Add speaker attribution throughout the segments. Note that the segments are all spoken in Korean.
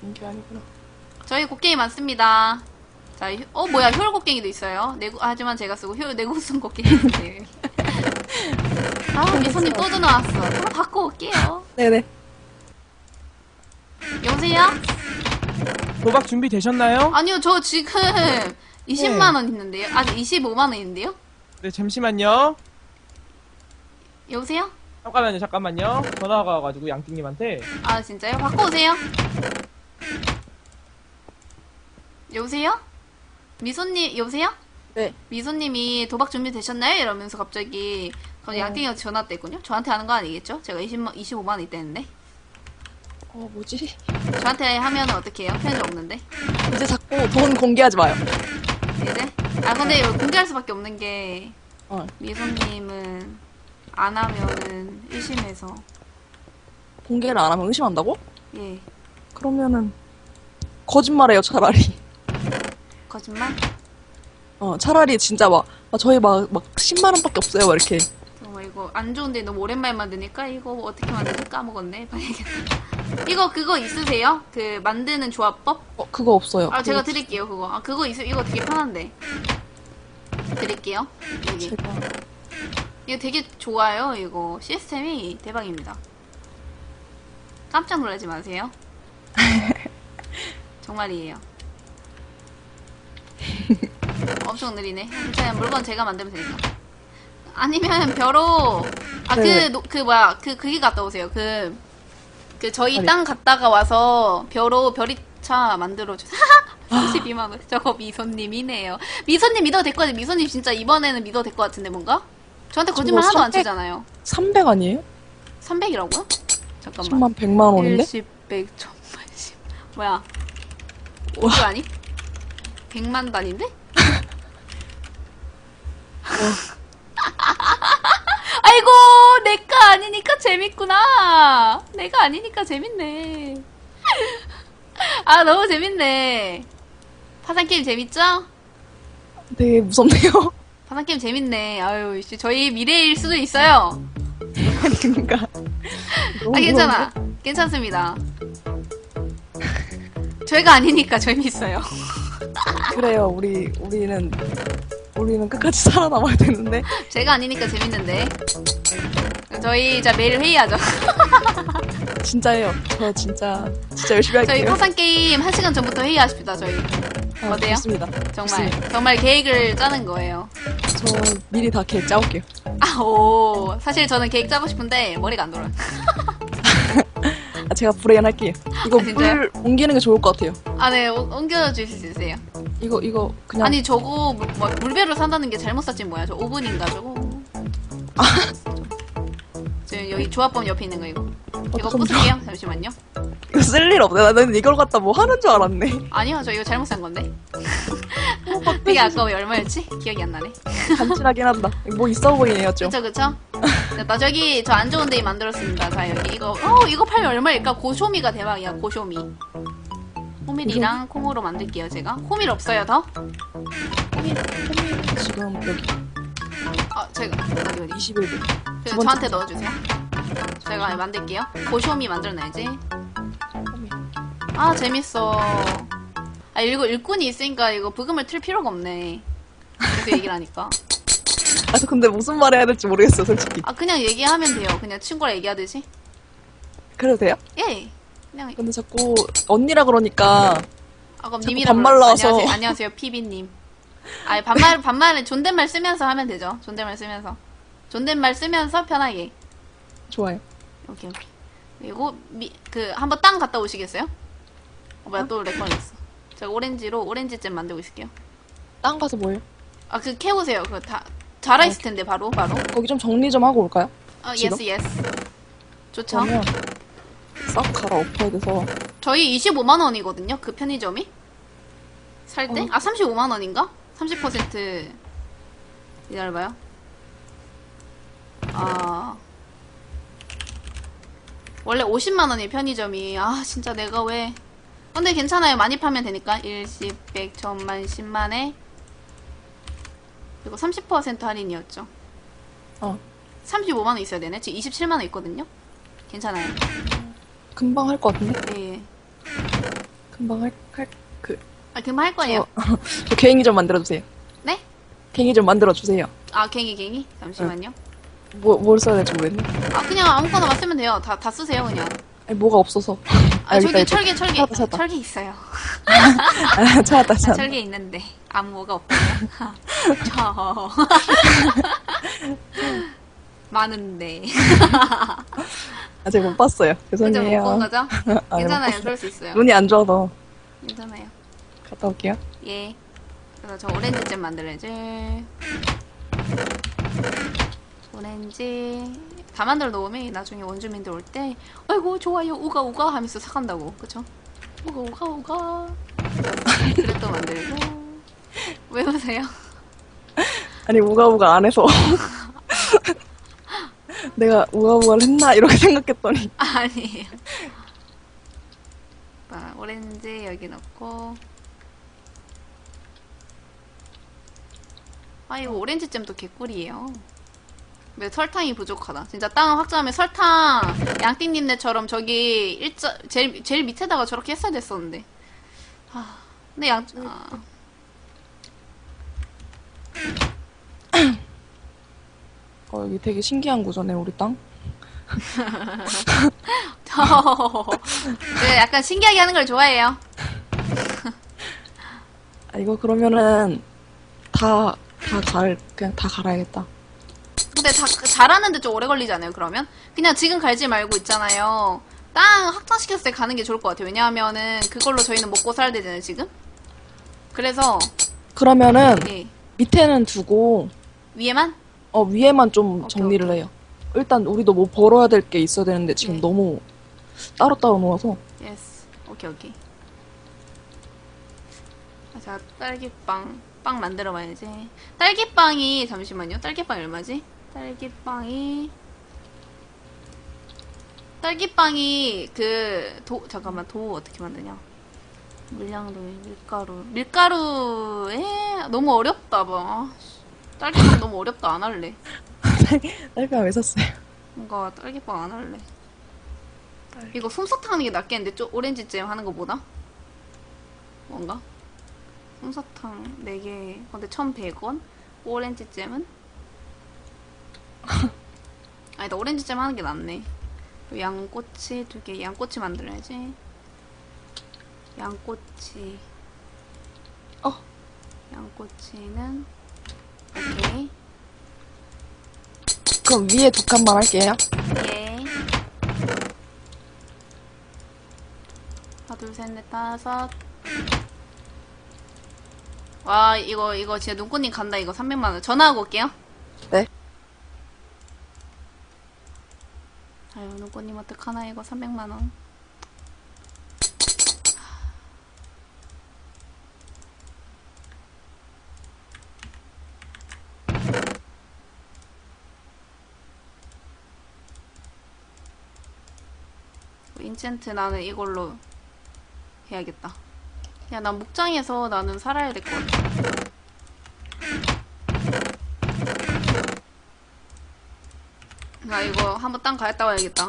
Speaker 1: 이게 아니구나.
Speaker 2: 저희 곡괭이 많습니다. 자, 뭐야, 효율 곡괭이도 있어요. 하지만 제가 쓰고 내구성 곡괭이 있어요. 아, 미소님 또 전화 왔어. 한번 받고 올게요.
Speaker 1: 네네.
Speaker 2: 여보세요?
Speaker 3: 도박 준비되셨나요?
Speaker 2: 아니요, 저 지금 20만원 있는데요. 아직 25만원 있는데요?
Speaker 3: 네, 잠시만요.
Speaker 2: 여보세요?
Speaker 3: 잠깐만요. 전화가 와가지고 양띵님한테.
Speaker 2: 아, 진짜요? 받고 오세요. 여보세요? 미소님, 여보세요?
Speaker 1: 네.
Speaker 2: 미소님이 도박 준비되셨나요? 이러면서 갑자기 양띵이가 전화 왔댔군요. 저한테 하는 거 아니겠죠? 제가 25만원 있다는데.
Speaker 1: 뭐지?
Speaker 2: 저한테 하면 어떻게 해요? 편지 없는데.
Speaker 1: 이제 자꾸 돈 공개하지 마요.
Speaker 2: 이제? 아, 근데 이거 공개할 수밖에 없는 게,
Speaker 1: 어.
Speaker 2: 미소님은 안 하면은 의심해서.
Speaker 1: 공개를 안 하면 의심한다고?
Speaker 2: 예.
Speaker 1: 그러면은 거짓말해요, 차라리.
Speaker 2: 거짓말?
Speaker 1: 차라리 진짜 저희 막 10만 원밖에 없어요, 막 이렇게.
Speaker 2: 정말 이거 안 좋은데 너무 오랜만에 만드니까 이거 어떻게 만들지 까먹었네. 봐야겠다. 이거 그거 있으세요? 그 만드는 조합법?
Speaker 1: 그거 없어요.
Speaker 2: 아, 제가 드릴게요, 그거. 아, 그거 이거 되게 편한데. 드릴게요. 여기.
Speaker 1: 제가
Speaker 2: 이거 되게 좋아요, 이거. 시스템이 대박입니다. 깜짝 놀라지 마세요. 정말이에요. 엄청 느리네. 괜찮아요. 물건 제가 만들면 되니까. 아니면 벼로,
Speaker 1: 네.
Speaker 2: 그게 갔다 오세요. 저희 땅 갔다가 와서 벼리차 만들어주세요. 32만원. 저거 미소님이네요. 미소님 믿어도 될 것 같아요. 미소님 진짜 이번에는 믿어도 될 것 같은데, 뭔가? 저한테 거짓말
Speaker 1: 저거
Speaker 2: 하나도 안
Speaker 1: 300?
Speaker 2: 치잖아요.
Speaker 1: 300 아니에요?
Speaker 2: 300이라고요? 잠깐만.
Speaker 1: 10만 100만 원인데?
Speaker 2: 10, 100, 1000만, 10. 뭐야? 5조 아니? 100만 단인데? 아이고, 내가 아니니까 재밌구나. 내가 아니니까 재밌네. 아, 너무 재밌네. 파산게임 재밌죠?
Speaker 1: 되게 무섭네요.
Speaker 2: 파산게임 재밌네. 아유, 저희 미래일 수도 있어요.
Speaker 1: 그러니까.
Speaker 2: 아, 괜찮아. 괜찮습니다. 저희가 아니니까 재밌어요.
Speaker 1: 그래요. 우리는 끝까지 살아남아야 되는데.
Speaker 2: 제가 아니니까 재밌는데. 저희 매일 회의하죠.
Speaker 1: 진짜예요. 저 진짜 열심히 할게요.
Speaker 2: 저희 파산게임 1시간 전부터 회의하십시다, 저희. 어때요?
Speaker 1: 좋습니다.
Speaker 2: 정말.
Speaker 1: 좋습니다.
Speaker 2: 정말 계획을 짜는 거예요.
Speaker 1: 저 미리 다 계획 짜올게요.
Speaker 2: 사실 저는 계획 짜고 싶은데 머리가 안 돌아요.
Speaker 1: 제가 불행할게요. 이거
Speaker 2: 아, 진짜요?
Speaker 1: 물 옮기는 게 좋을 것 같아요.
Speaker 2: 아, 네, 옮겨주실 수 있으세요?
Speaker 1: 이거 그냥.
Speaker 2: 아니, 저거, 물배로 산다는 게 잘못 샀지 뭐야. 저 오븐인가, 저거. 지금 여기 조합범 옆에 있는 거, 이거. 이거
Speaker 1: 좀
Speaker 2: 부술게요. 잠시만요.
Speaker 1: 이거 쓸 일 없네. 나는 이걸 갖다 뭐 하는 줄 알았네.
Speaker 2: 아니요, 저 이거 잘못 산 건데. 되게 아까워. 얼마였지? 기억이 안 나네.
Speaker 1: 간지나긴 한다. 뭐 있어 보이네요, 좀.
Speaker 2: 그쵸. 나 저기, 저 안 좋은 데이 만들었습니다. 자, 여기 이거 팔면 얼마일까? 고쇼미가 대박이야, 고쇼미. 호밀이랑 콩으로 만들게요, 제가. 호밀 없어요, 더?
Speaker 1: 지금 여기
Speaker 2: 제가, 어디.
Speaker 1: 21분.
Speaker 2: 제가 저한테 넣어주세요. 제가 만들게요. 고쇼미 만들어놔야지. 아, 재밌어. 아, 이거 일꾼이 있으니까 이거 부금을 틀 필요가 없네. 계속 얘기를 하니까.
Speaker 1: 저 근데 무슨 말 해야 될지 모르겠어요, 솔직히.
Speaker 2: 아, 그냥 얘기하면 돼요. 그냥 친구랑 얘기하듯이.
Speaker 1: 그래도 돼요?
Speaker 2: 예. 그냥,
Speaker 1: 근데 자꾸 언니라 그러니까
Speaker 2: 그럼
Speaker 1: 자꾸
Speaker 2: 님이랑
Speaker 1: 반말 나와서.
Speaker 2: 안녕하세요, 피비님. 아니, 반말은 존댓말 쓰면서 하면 되죠. 존댓말 쓰면서 편하게.
Speaker 1: 좋아요.
Speaker 2: 오케이. 그리고, 한번 땅 갔다 오시겠어요? 뭐야, 또 레코드했어. 제가 오렌지잼 만들고 있을게요.
Speaker 1: 땅 가서 뭐예요?
Speaker 2: 아, 캐오세요. 자라있을 텐데, 바로.
Speaker 1: 거기 좀 정리 좀 하고 올까요? 지금?
Speaker 2: 예스. 좋죠.
Speaker 1: 그러면 싹 갈아엎어야 돼서.
Speaker 2: 저희 25만원이거든요, 그 편의점이. 살 때? 35만원인가? 30% 기다려봐요. 원래 50만원이 편의점이. 진짜 내가 왜. 근데 괜찮아요. 많이 파면 되니까. 1, 10, 100, 1000만, 10만에. 그리고 30% 할인이었죠. 35만원 있어야 되네. 지금 27만원 있거든요. 괜찮아요.
Speaker 1: 금방 할 것 같은데?
Speaker 2: 예.
Speaker 1: 금방
Speaker 2: 금방 할 거예요.
Speaker 1: 저 괭이 좀 만들어주세요.
Speaker 2: 네?
Speaker 1: 괭이 좀 만들어주세요.
Speaker 2: 아, 갱이. 잠시만요.
Speaker 1: 뭘 써야 될지 모르겠네.
Speaker 2: 아, 그냥 아무거나 쓰면 돼요. 다 쓰세요, 그냥.
Speaker 1: 아니, 뭐가 없어서.
Speaker 2: 아, 저기
Speaker 1: 여기다,
Speaker 2: 철개.
Speaker 1: 찾았다.
Speaker 2: 철개 있어요.
Speaker 1: 아, 찾았다.
Speaker 2: 철개 있는데. 아무 뭐가 없다고요? 저. 많은데.
Speaker 1: 아직 못 봤어요.
Speaker 2: 그죠?
Speaker 1: 죄송해요.
Speaker 2: 못 본 거죠?
Speaker 1: 아,
Speaker 2: 괜찮아요.
Speaker 1: 못
Speaker 2: 그럴 수 있어요.
Speaker 1: 눈이 안 좋아서.
Speaker 2: 괜찮아요.
Speaker 1: 갔다 올게요.
Speaker 2: 예. 그래서 저 오렌지잼 만들어야지. 오렌지 다 만들어 놓으면 나중에 원주민들 올 때 아이고 좋아요 우가 하면서 사간다고. 그쵸? 우가 그릇도 만들고. 왜 보세요?
Speaker 1: 아니, 우가우가 안 해서. 내가 우가우가를 했나? 이렇게 생각했더니.
Speaker 2: 아니에요. 자, 오렌지 여기 넣고. 아 이거 오렌지잼도 개꿀이에요. 왜 설탕이 부족하다. 진짜 땅을 확장하면 설탕 양띵님네처럼 저기 제일 밑에다가 저렇게 했어야 됐었는데. 아, 근데
Speaker 1: 여기 되게 신기한 구조네, 우리 땅.
Speaker 2: 네, 약간 신기하게 하는 걸 좋아해요.
Speaker 1: 아, 이거 그러면은, 그냥 다 갈아야겠다.
Speaker 2: 근데 잘하는데 좀 오래 걸리지 않아요, 그러면? 그냥 지금 갈지 말고 있잖아요. 땅 확장시켰을 때 가는 게 좋을 것 같아요. 왜냐하면은 그걸로 저희는 먹고 살아야 되잖아요, 지금? 그래서,
Speaker 1: 그러면은,
Speaker 2: 예.
Speaker 1: 밑에는 두고,
Speaker 2: 위에만?
Speaker 1: 위에만 좀
Speaker 2: 오케이,
Speaker 1: 정리를 해요. 일단, 우리도 뭐 벌어야 될 게 있어야 되는데, 지금
Speaker 2: 네.
Speaker 1: 너무 따로따로 놓아서.
Speaker 2: 예스. 오케이. 자, 딸기빵. 빵 만들어 봐야지. 딸기빵이, 잠시만요. 딸기빵이 얼마지? 딸기빵이, 잠깐만, 도 어떻게 만드냐? 물량도, 밀가루에, 너무 어렵다, 봐. 딸기빵 너무 어렵다, 안 할래.
Speaker 1: 딸기가 왜 샀어요?
Speaker 2: 뭔가 딸기빵 안 할래. 이거 솜사탕 하는 게 낫겠는데, 오렌지잼 하는 거보다? 뭔가? 솜사탕 4개, 근데 1,100원? 오렌지잼은? 아니다, 오렌지잼 하는 게 낫네. 양꼬치 2개, 양꼬치 만들어야지. 양꼬치는, 오케이.
Speaker 1: 그럼 위에 2칸만 할게요.
Speaker 2: 예. 하나, 둘, 셋, 넷, 다섯. 와, 이거 진짜 눈꽃님 간다. 이거 300만원. 전화하고 올게요.
Speaker 1: 네.
Speaker 2: 아유, 눈꽃님 어떡하나, 이거 300만원. 인챈트 나는 이걸로 해야겠다. 야, 난 목장에서 나는 살아야 될 것 같아. 나 이거 한번 땅 갔다 와야겠다.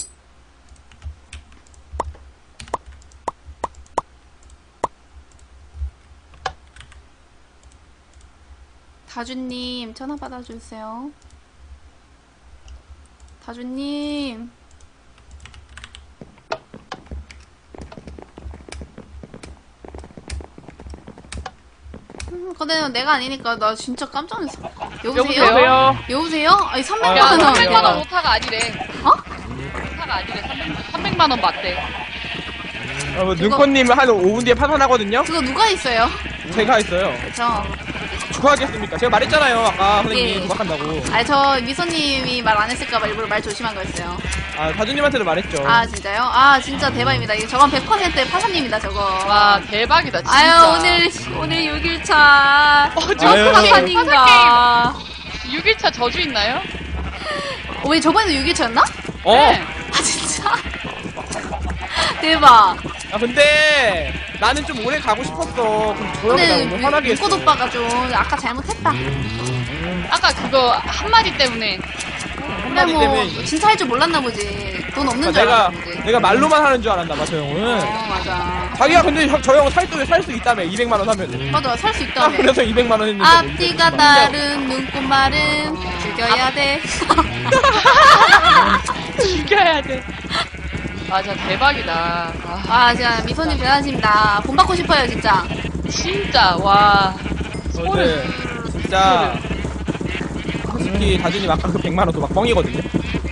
Speaker 2: 다주님, 전화 받아주세요. 다주님. 근데 내가 아니니까 나 진짜 깜짝 놀랐어. 여보세요? 여보세요? 아니 300만
Speaker 4: 야,
Speaker 2: 원.
Speaker 4: 300만 원 오타가 아니래.
Speaker 2: 어?
Speaker 4: 오타가 아니래. 300만 원 맞대.
Speaker 3: 눈꽃님 한 5분 뒤에 파산하거든요?
Speaker 2: 그거 누가 있어요?
Speaker 3: 제가 했어요.
Speaker 2: 그쵸.
Speaker 3: 축하하겠습니까? 제가 말했잖아요, 아까 선생님이
Speaker 2: 예.
Speaker 3: 도박한다고.
Speaker 2: 아니 저 미소님이 말 안 했을까봐 일부러 말 조심한 거였어요.
Speaker 3: 아, 다주님한테도 말했죠.
Speaker 2: 아 진짜요? 아 진짜 대박입니다. 이거 저건 100% 파산입니다 저거.
Speaker 4: 와, 대박이다, 진짜.
Speaker 2: 아유 오늘 6일차.
Speaker 3: 아유.
Speaker 2: 파산인가?
Speaker 4: 6일차 저주 있나요?
Speaker 2: 왜 저번에도 6일차였나?
Speaker 3: 어?
Speaker 4: 네.
Speaker 2: 아 진짜. 대박.
Speaker 3: 아, 근데 나는 좀 오래 가고 싶었어. 그럼 조용히 나
Speaker 2: 근데
Speaker 3: 오늘 화나게 했어.
Speaker 2: 눈꽃 오빠가 좀 아까 잘못했다.
Speaker 4: 아까 그거 한마디 때문에.
Speaker 2: 근데
Speaker 3: 찐따기
Speaker 2: 뭐
Speaker 3: 때문에.
Speaker 2: 진짜 할 줄 몰랐나 보지. 돈 없는 줄
Speaker 3: 내가
Speaker 2: 알았나 보지.
Speaker 3: 내가 말로만 하는 줄 알았나 봐, 저 형은.
Speaker 2: 맞아.
Speaker 3: 자기가 근데 저 형 살 수 있다며 200만 원 하면.
Speaker 2: 맞아, 살 수 있다며.
Speaker 3: 그래서 200만 원 했는데.
Speaker 2: 앞뒤가 다른 눈꽃말은 죽여야 돼.
Speaker 4: 죽여야 돼. 맞아, 대박이다. 아,
Speaker 2: 아, 진짜 미소님 대단하십니다. 본 받고 싶어요, 진짜.
Speaker 4: 진짜, 와.
Speaker 3: 저는 진짜 솔직히 다준님 아까 그 100만 원 도박 뻥이거든요.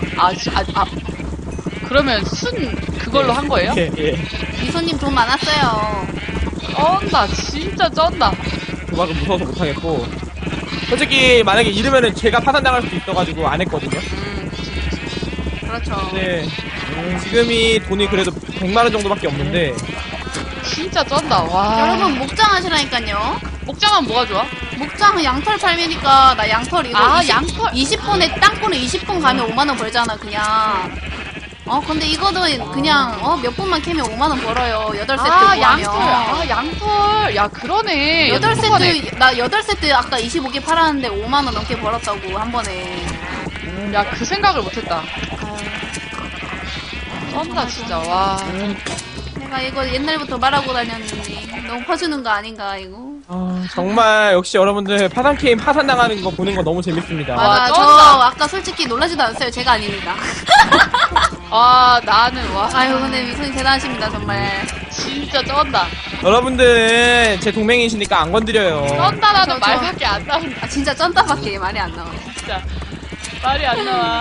Speaker 4: 그러면 그걸로 한 거예요?
Speaker 3: 예, 예.
Speaker 2: 미소님 돈 많았어요.
Speaker 4: 쩐다, 진짜 쩐다.
Speaker 3: 도박은 무서워서 못 하겠고. 솔직히 만약에 이러면은 제가 파산당할 수도 있어가지고 안 했거든요.
Speaker 2: 그렇죠.
Speaker 3: 네. 지금이 돈이 그래도 100만 원 정도밖에 없는데
Speaker 4: 진짜 쩐다, 와.
Speaker 2: 여러분, 목장 하시라니까요.
Speaker 4: 목장은 뭐가 좋아?
Speaker 2: 목장은 양털 팔매니까, 나 양털 이거.
Speaker 4: 아,
Speaker 2: 20,
Speaker 4: 양털.
Speaker 2: 20분에, 땅굴에 20분 가면 5만원 벌잖아, 그냥. 근데 이거는 그냥, 몇 분만 캐면 5만원 벌어요. 8세트
Speaker 4: 아,
Speaker 2: 구하면.
Speaker 4: 양털. 아, 양털. 야, 그러네.
Speaker 2: 8세트, 나 8세트 아까 25개 팔았는데 5만원 넘게 벌었다고, 한 번에.
Speaker 4: 야, 그 생각을 못했다. 쩐다, 진짜, 와.
Speaker 2: 내가 이거 옛날부터 말하고 다녔는데, 너무 퍼주는 거 아닌가, 이거.
Speaker 3: 정말 역시 여러분들 파산 게임 파산당하는 거 보는 거 너무 재밌습니다.
Speaker 2: 맞아, 저
Speaker 4: 쩐다.
Speaker 2: 아까 솔직히 놀라지도 않았어요. 제가 아닙니다.
Speaker 4: 아, 나는, 와.
Speaker 2: 아유, 근데 미소님 대단하십니다, 정말.
Speaker 4: 진짜 쩐다.
Speaker 3: 여러분들은 제 동맹이시니까 안 건드려요.
Speaker 4: 쩐다라는
Speaker 2: 저-
Speaker 4: 말밖에 안 나온다,
Speaker 2: 아, 진짜 쩐다밖에 말이 안 나와요.
Speaker 4: 진짜. 말이 안 나와.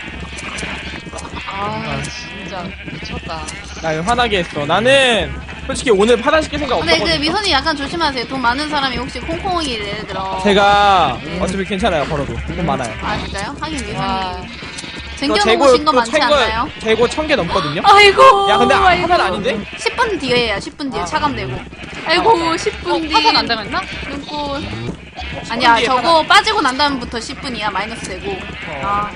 Speaker 4: 아, 진짜. 미쳤다.
Speaker 3: 나 화나게 했어. 나는 솔직히 오늘 파산시킬 생각
Speaker 2: 근데
Speaker 3: 없었거든요.
Speaker 2: 그 미소님 약간 조심하세요. 돈 많은 사람이 혹시 콩콩이 예를 들어.
Speaker 3: 제가 어차피 괜찮아요. 벌어도 돈 많아요.
Speaker 2: 아, 진짜요? 하긴
Speaker 4: 와.
Speaker 2: 미소님. 쟁겨놓으신 거 많지 않나요?
Speaker 3: 재고 1000개 넘거든요.
Speaker 2: 아이고.
Speaker 3: 야 근데
Speaker 2: 아이고.
Speaker 3: 파산 아닌데?
Speaker 2: 10분 뒤에 해요. 10분 뒤에 차감되고. 아이고, 10분 뒤.
Speaker 4: 파산 안 당했나?
Speaker 2: 눈꽃. 아니야,
Speaker 3: 뒤에
Speaker 2: 저거 빠지고 난 다음부터 10분이야. 마이너스 되고. 아,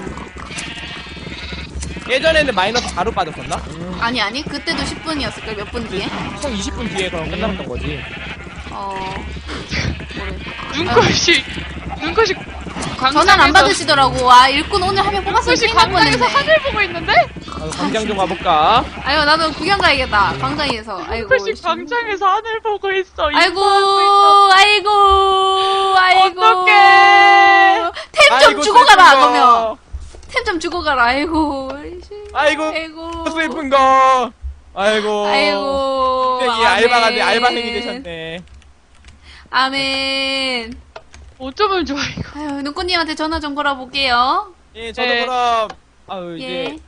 Speaker 3: 예전에는 마이너스 4로 빠졌었나?
Speaker 2: 아니. 그때도 10분이었을걸. 몇 분 뒤에?
Speaker 3: 총 20분 뒤에 그럼 끝났던 거지.
Speaker 4: 눈꽃이
Speaker 2: 전화를 안 받으시더라고. 아, 일꾼 오늘 하면 뽑았으면
Speaker 4: 눈꽃이
Speaker 2: 큰일 날
Speaker 4: 광장에서
Speaker 2: 뻔했네.
Speaker 4: 하늘 보고 있는데?
Speaker 3: 광장 좀 가볼까?
Speaker 2: 아유, 나도 구경 가야겠다. 광장에서. 아이고.
Speaker 4: 눈꽃이 광장에서 하늘 보고 있어.
Speaker 2: 아이고,
Speaker 4: 인사하고
Speaker 2: 아이고.
Speaker 4: 어떡해.
Speaker 2: 템 좀
Speaker 3: 아이고,
Speaker 2: 주고
Speaker 3: 슬픈
Speaker 2: 가라,
Speaker 3: 거.
Speaker 2: 그러면. 템 좀 주고 가라, 아이고.
Speaker 3: 아이고 슬픈 거. 아이고.
Speaker 2: 아이고.
Speaker 3: 이 알바생이 되셨네.
Speaker 2: 아멘.
Speaker 4: 어쩌면 좋아, 이거.
Speaker 2: 아유, 눈꽃님한테 전화 좀 걸어볼게요.
Speaker 3: 예, 저도
Speaker 4: 네.
Speaker 3: 그럼 아유
Speaker 2: 예.
Speaker 3: 이제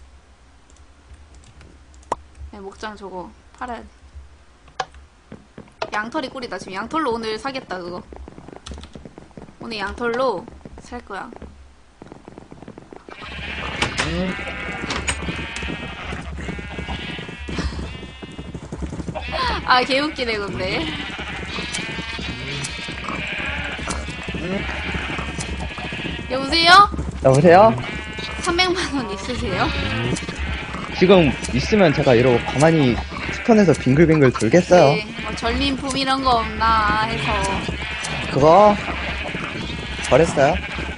Speaker 2: 네, 목장 저거 팔아야 돼. 양털이 꿀이다. 지금 양털로 오늘 사겠다, 그거. 오늘 양털로 살 거야. 아, 개웃기네, 근데. 여보세요?
Speaker 5: 여보세요?
Speaker 2: 300만원 있으세요?
Speaker 5: 지금 있으면 제가 이러고 가만히 스폰에서 빙글빙글 돌겠어요.
Speaker 2: 네, 뭐 전림품 이런 거 없나 해서.
Speaker 5: 그거 버렸어요?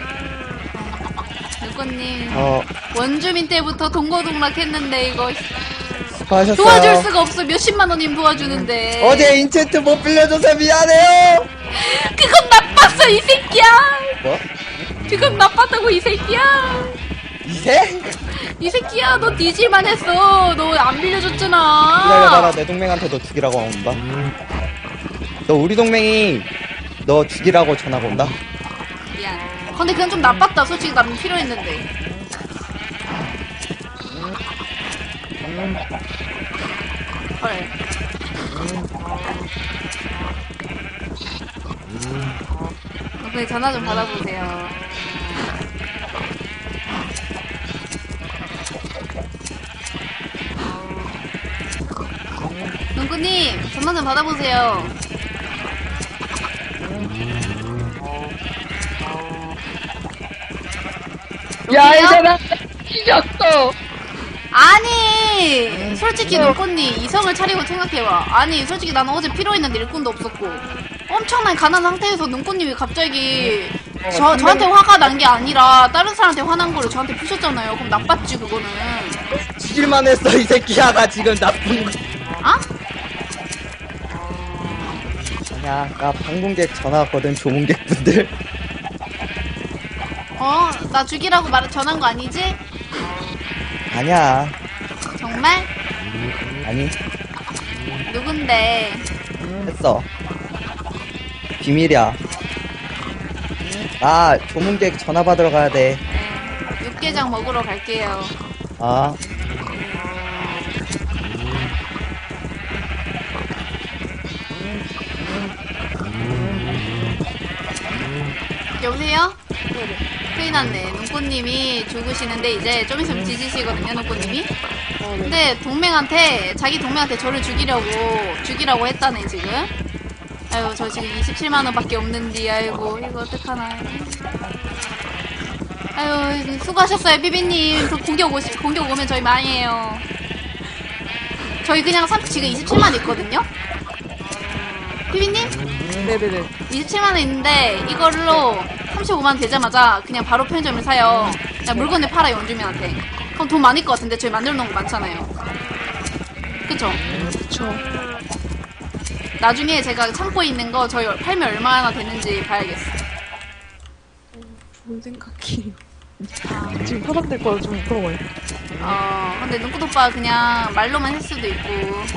Speaker 2: 눈꽃님. 원주민 때부터 동고동락 했는데, 이거.
Speaker 5: 수고하셨어요.
Speaker 2: 도와줄 수가 없어. 몇십만 원님 도와주는데.
Speaker 5: 어제 인챈트 못 빌려줘서 미안해요.
Speaker 2: 그건 나빴어, 이 새끼야.
Speaker 5: 뭐?
Speaker 2: 그건 나빴다고, 이 새끼야.
Speaker 5: 이세?
Speaker 2: 이 새끼야, 너 뒤질만 했어. 너 안 빌려줬잖아.
Speaker 5: 기다려봐라. 내 동맹한테도 죽이라고 온다. 너 우리 동맹이 너 죽이라고 전화가 온다.
Speaker 2: 미안. 근데 그건 좀 나빴다. 솔직히 나는 필요했는데. 헐. 그래, 전화 좀 받아보세요. 눈꾸님, 전화 좀 받아보세요.
Speaker 4: 야,
Speaker 2: 여보세요?
Speaker 4: 이제는 이겼어.
Speaker 2: 아니, 솔직히 눈꽃님 이성을 차리고 생각해봐. 아니, 솔직히 나는 어제 필요했는데 일꾼도 없었고 엄청난 가난한 상태에서 눈꽃님이 갑자기 저한테 화가 난 게 아니라 다른 사람한테 화난 거를 저한테 푸셨잖아요. 그럼 나빴지 그거는.
Speaker 5: 죽일만 했어 이 새끼야. 나 지금 나쁜 거.
Speaker 2: 아?
Speaker 5: 아니야, 나 방문객 전화 왔거든. 조문객분들.
Speaker 2: 나 죽이라고 전한 거 아니지?
Speaker 5: 아니야.
Speaker 2: 정말?
Speaker 5: 아니,
Speaker 2: 누군데?
Speaker 5: 했어. 비밀이야. 나 조문객 전화 받으러 가야 돼.
Speaker 2: 육개장 먹으러 갈게요.
Speaker 5: 아,
Speaker 2: 여보세요? 큰일 났네. 눈꽃님이 죽으시는데 이제 좀 있으면 뒤지시거든요, 눈꽃님이. 근데 자기 동맹한테 저를 죽이라고 했다네, 지금. 아유, 저 지금 27만원 밖에 없는데, 아이고, 이거 어떡하나. 아유, 수고하셨어요, 비비님. 공격 오면 저희 망해요. 저희 그냥 지금 27만 있거든요? 비비님?
Speaker 1: 네네네.
Speaker 2: 27만원 있는데, 이걸로 35만원 되자마자 그냥 바로 편의점을 사요. 그냥 물건을 팔아요, 원주민한테. 그럼 돈 많을 것 같은데, 저희 만들어 놓은 거 많잖아요. 그쵸?
Speaker 1: 그쵸.
Speaker 2: 나중에 제가 창고에 있는 거 저희 팔면 얼마나 되는지 봐야겠어.
Speaker 1: 좋은 생각이에요. 지금 파산될 거라 좀 부러워요.
Speaker 2: 근데 눈꽃 오빠 그냥 말로만 했을 수도 있고.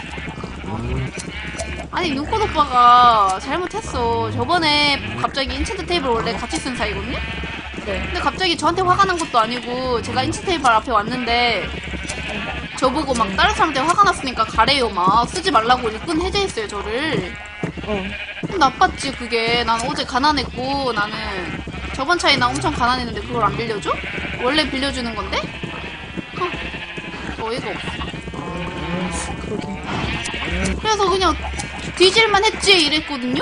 Speaker 2: 아니, 눈꽃 오빠가 잘못했어. 저번에 갑자기 인챈트 테이블 원래 같이 쓴 사이거든요?
Speaker 1: 네.
Speaker 2: 근데 갑자기 저한테 화가 난 것도 아니고, 제가 인챈트 테이블 앞에 왔는데, 저보고 막 다른 사람한테 화가 났으니까 가래요. 막 쓰지 말라고 일꾼 해제했어요, 저를. 그럼 나빴지, 그게. 난 어제 가난했고, 나는 저번 차에 나 엄청 가난했는데 그걸 안 빌려줘? 원래 빌려주는 건데? 어이가 없어.
Speaker 1: 그러게.
Speaker 2: 그래서 그냥 뒤질만 했지 이랬거든요?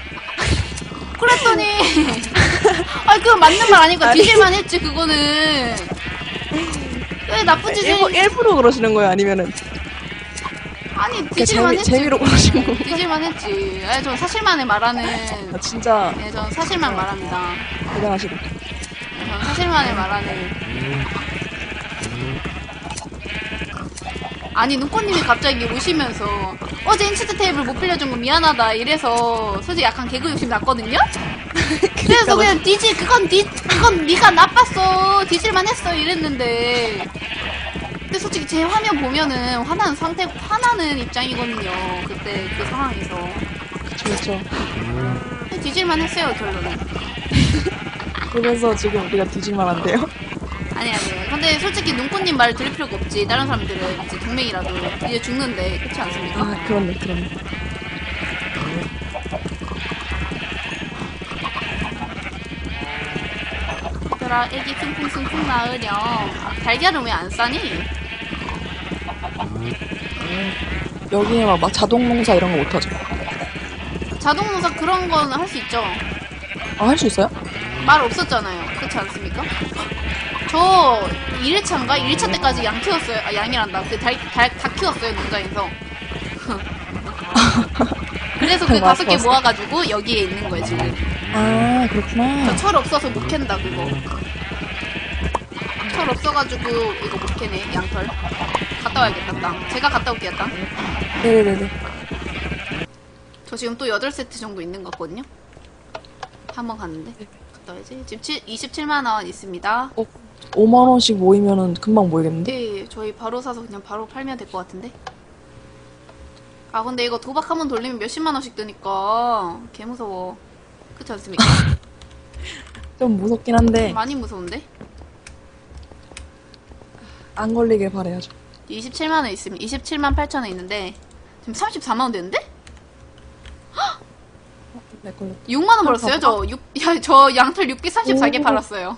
Speaker 2: 그랬더니 아니 그건 맞는 말 아니고 뒤질만 했지 그거는. 왜 나쁜 짓을
Speaker 1: 일부러 그러시는 거예요? 아니면은
Speaker 2: 아니 뒤질만 했지.
Speaker 1: 재미로 그러시는 거?
Speaker 2: 뒤질만 했지. 아니 전 사실만을 말하는.
Speaker 1: 아, 진짜
Speaker 2: 네, 전 사실만 말합니다.
Speaker 1: 대단하시다.
Speaker 2: 네, 전 사실만을 말하는. 아니 눈꽃님이 갑자기 오시면서 어제 인치트 테이블 못 빌려준 거 미안하다 이래서 솔직히 약간 개그 욕심 났거든요? 그래서 그냥 그건 네가 나빴어 뒤질만 했어 이랬는데, 근데 솔직히 제 화면 보면은 화나는 입장이거든요. 그때 그 상황에서
Speaker 1: 그렇죠.
Speaker 2: 뒤질만 했어요 결론은.
Speaker 1: 그러면서 지금 우리가 뒤질만 한데요?
Speaker 2: 아니 근데 솔직히 눈꽃님 말 들을 필요가 없지. 다른 사람들은 이제 동맹이라도 이제 죽는데 그렇지 않습니까?
Speaker 1: 아, 그렇네.
Speaker 2: 얘들아 애기 퉁퉁퉁퉁 낳으렴. 달걀은 왜 안 싸니?
Speaker 1: 여기에 막 자동 농사 이런 거 못하죠?
Speaker 2: 자동농사 그런 건 할 수 있죠.
Speaker 1: 아, 할 수 있어요?
Speaker 2: 말 없었잖아요. 그렇지 않습니까? 저 1일차인가? 1일차 때까지 양 키웠어요. 아, 양이란다. 다 키웠어요, 농장에서. 그래서 그
Speaker 1: 맞아,
Speaker 2: 5개
Speaker 1: 맞아.
Speaker 2: 모아가지고 여기에 있는 거예요, 지금.
Speaker 1: 아, 그렇구나.
Speaker 2: 저 철 없어서 못 캔다, 그거. 철 없어가지고 이거 못 캐네, 양털. 갔다 와야겠다, 땅. 제가 갔다 올게요, 땅.
Speaker 1: 네네네.
Speaker 2: 저 지금 또 8세트 정도 있는 것 같거든요? 한 번 갔는데. 갔다 와야지. 지금 27만원 있습니다.
Speaker 1: 5만원씩 모이면은 금방 모이겠는데?
Speaker 2: 네, 저희 바로 사서 그냥 바로 팔면 될 것 같은데? 아, 근데 이거 도박 한 번 돌리면 몇십만원씩 드니까 개 무서워. 그렇지 않습니까?
Speaker 1: 좀 무섭긴 한데,
Speaker 2: 많이 무서운데?
Speaker 1: 안 걸리길 바라야죠.
Speaker 2: 27만원 있으면 27만 8천원 있는데 지금 34만원 되는데?
Speaker 1: 내 걸려.
Speaker 2: 6만원 벌었어요, 저. 저 양털 6개 34개
Speaker 1: 오.
Speaker 2: 팔았어요.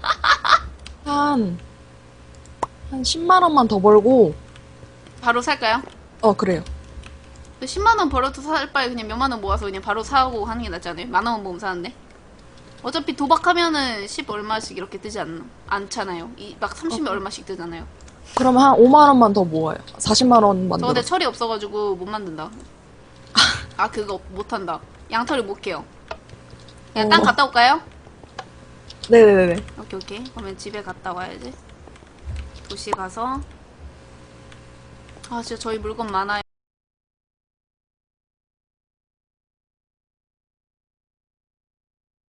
Speaker 1: 한 10만원만 더 벌고,
Speaker 2: 바로 살까요?
Speaker 1: 그래요.
Speaker 2: 10만원 벌어도 살 바에 그냥 몇만원 모아서 그냥 바로 사고 하는 게 낫지 않아요? 만원 모으면 사는데? 어차피 도박하면은 10 얼마씩 이렇게 뜨지 않잖아요. 막 30몇 얼마씩 뜨잖아요.
Speaker 1: 그러면 한 5만원만 더 모아요. 40만원
Speaker 2: 저
Speaker 1: 만들어.
Speaker 2: 근데 철이 없어가지고 못 만든다. 그거 못한다. 양털을 못 캐요. 그냥 땅 갔다 올까요?
Speaker 1: 네네네.
Speaker 2: 오케이, 오케이. 그러면 집에 갔다 와야지. 도시 가서. 아, 진짜 저희 물건 많아요.